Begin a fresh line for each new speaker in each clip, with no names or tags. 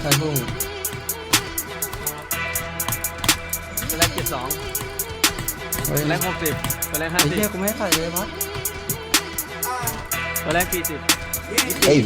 ใส่พุ่ง
ตัวแรก72ตัวแรก60ตัวแรก
ไอ้เหี้ยกูไม่ใส่เลยพัด
ตัวแรก40
AV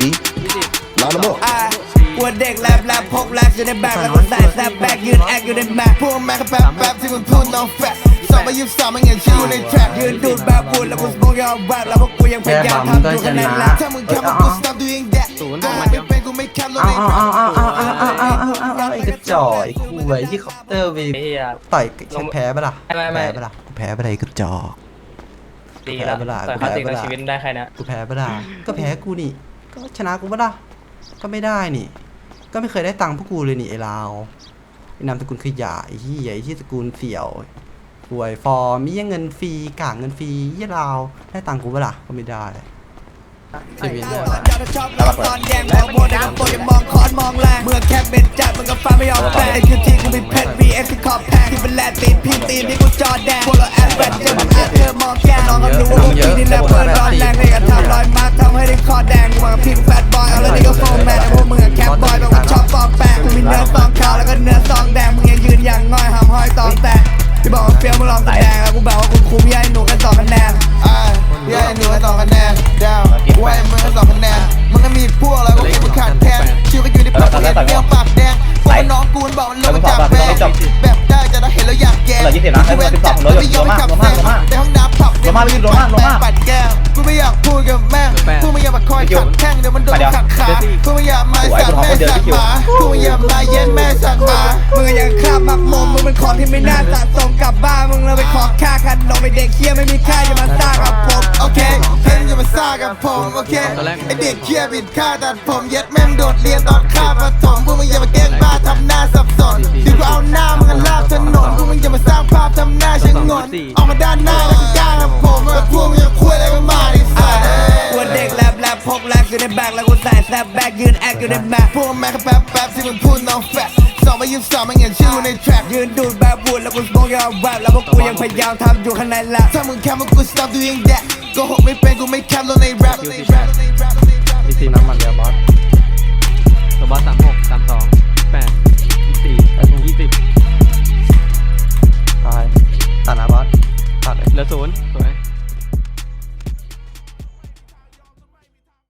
20
มาแล้วมั้ง
ปวดเด็กแลบพกแลกอยู่ในแบกแล้วก็ใส่แซบแบกยืนแอคอยู่ในแมปพวกแม่ก็แป๊บที่มึงพูด no fact 223มันเห็นชื่อในแทร็กยืนดูดแบบพูดแล้วกูสโมกยาวแรปแล้วพวกกูยังพยายามทำอยู่ข้างในแลบถ้ามึงแค่มากู stop doing that ก็ไม่เป็นกูไม่แคปลงในแรป
ไอ้กระจอยกูไอ้ที่คอปเตอร์ไปต่อยแพ้ปะล่ะแพ้ปะล่ะแพ้ปะล่ะไอ้กระจอก
ดีแล้วแต่คลาสสิกในชีวิตได้ใครนะ
กูแพ้ปะล่ะก็แพ้กูนี่ก็ชนะกูปะล่ะก็ไม่ได้นี่ก็ไม่เคยได้ตังค์พวกกูเลยนี่ไอ้ลาวไอ้นามสกุลขยะไอ้ที่ใหญ่ที่สกุลเสี่ยวป่วยฟอร์มีเงินฟรีกางเงินฟรียี่ลาวได้ตังค์กูปะล่ะก็ไม่ได้ชีวิตเนี่ย
ตอนแย่งมองโมเดลโปรยังมองคอนมองแรงเมื่อแค่เป็นจัดมึงก็ฟังไม่ยอมแปลไอ้คือที่กูมีเพชร VX ที่ขอบแพงที่เป็นแลนตีนพิมตีนที่กูจอแดงพวกเราแอดแบทเจอมันอาเธอมองแกน้องก็รู้ว่าพี่นี่แหละเปิดร้อนแรงเลยกันทำรอยมาร์คทำให้ได้คอแดงกูมากับพิมแฟตบอยเอาแล้วนี่ก็โฟร์แมนแต่พวกมึงแคปบอยแบบว่าชอบฟองแปงกูมีเนื้อซองขาวแล้วก็เนื้อซองแดงมึงยังยืนอย่างง่อยหำห้อยตองแตกที่บอกว่าเฟี้ยวมึงลองแสดงกูบอกว่ากูคุ้มยัยหนูกัน2 คะแนนยัยหนูกัน2 คะแนนดาวกูให้มึงกัน2 คะแนนมึงก็มีพวกอะไรพวกนี้มึงขาดแทนชิวก็อยู่ในปากเรียนเรื่องปากแดงพวกน้องกูบอกมันเลิกมาจากแบงแบบได้จะได้เห็นแล้วอยากแย่กูเว้นจัดไม่ยอมขับแซงแต่ห้องน้ำผับเดี๋ยวมึงปัดแก้วกูไม่อยากพูดกับแม่กูไม่อยากมาคอยขัดแข้งเดี๋ยวมันโดนขัดขากูไม่อยากมาสั่งแม่สั่งหมากูไม่อยากมาเย็นแม่สั่งหมามึงยังข้ามมักมมมึงเป็นของที่ไม่น่าสะสมกลับบ้านมึงเลยไปขอค่าขนมไอเด็กเคี้ยไม่มีค่าอย่ามาซ่ากับผมโอเคเพื่อนอย่ามาซ่ากับผมโอเคไอเด็กเคี้ยบิดค่าตัดผมเย็ดแม่งโดดเรียนตอนข้าประถมพวกมึงอย่ามาแกล้งบ้าทำหน้าสับสนดีกว่าเอาหน้ามึงลาบถนนพวกมึงอย่ามาสร้างภาพทำหน้าชะงนออกมาด้านหน้าแล้วก็กล้ากับผมแต่พวกมึงอย่าคุยอะไรกันมาดิสัตว์กวนเด็กแลบพกแลกอยู่ในแบกแล้วกูใส่แซบแบกยืนแอคอยู่ในแมปพวกแม่ก็แป๊บที่มึงพูด no fact 223มันเห็นชื่อในแทร็กยืนดูดแบบพูดแล้วกูสโมกยาวแรปแล้วพวกกูยังพยายามทำอยู่ข้างในแลบถ้ามึงแค่มากู stop doing that ก็หกไม่เป็นกูไม่แคปลงในแรป
มีซีน้ำมันเดียวบอสตัวบอส36